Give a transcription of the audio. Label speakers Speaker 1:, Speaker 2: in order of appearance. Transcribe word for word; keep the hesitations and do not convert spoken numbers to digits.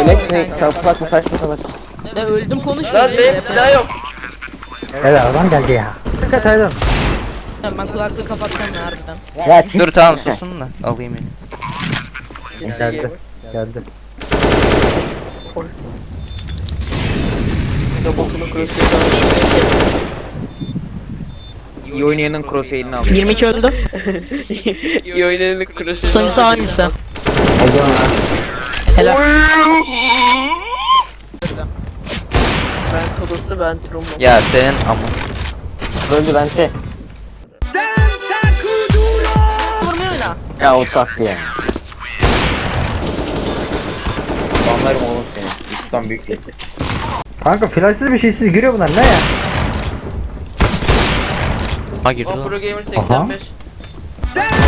Speaker 1: Flex ne? Kapatma kaçma kapat.
Speaker 2: Ya öldüm konuş.
Speaker 3: Lan benim silah yok.
Speaker 4: Evet adam geldi ya. Dikkat edin.
Speaker 2: Ben kulaklığı kapatacağım ya harbiden.
Speaker 4: Ya çiz.
Speaker 5: Dur tamam susun da alayım beni.
Speaker 4: Geldi. Geldi.
Speaker 3: Robotunu crosshair'dan.
Speaker 1: İyi oynayanın crosshair'ini al.
Speaker 2: yirmi iki öldü.
Speaker 3: İyi oynayanın crosshair'dan.
Speaker 2: Sonuncusu hangisi? Helal.
Speaker 3: Ben Kodos'u ben Trumbo.
Speaker 5: Ya senin ama.
Speaker 1: Öldü bence.
Speaker 2: Vurmuyor oyna.
Speaker 1: Ya o sattı ya. Anlarım oğlum seni. Üstten büyük değil.
Speaker 4: Kanka flashsız bir şeysiz giriyor bunlar ne ya?
Speaker 5: Ha girdi
Speaker 3: O
Speaker 5: lan.
Speaker 3: Pro Gamer seksen beş.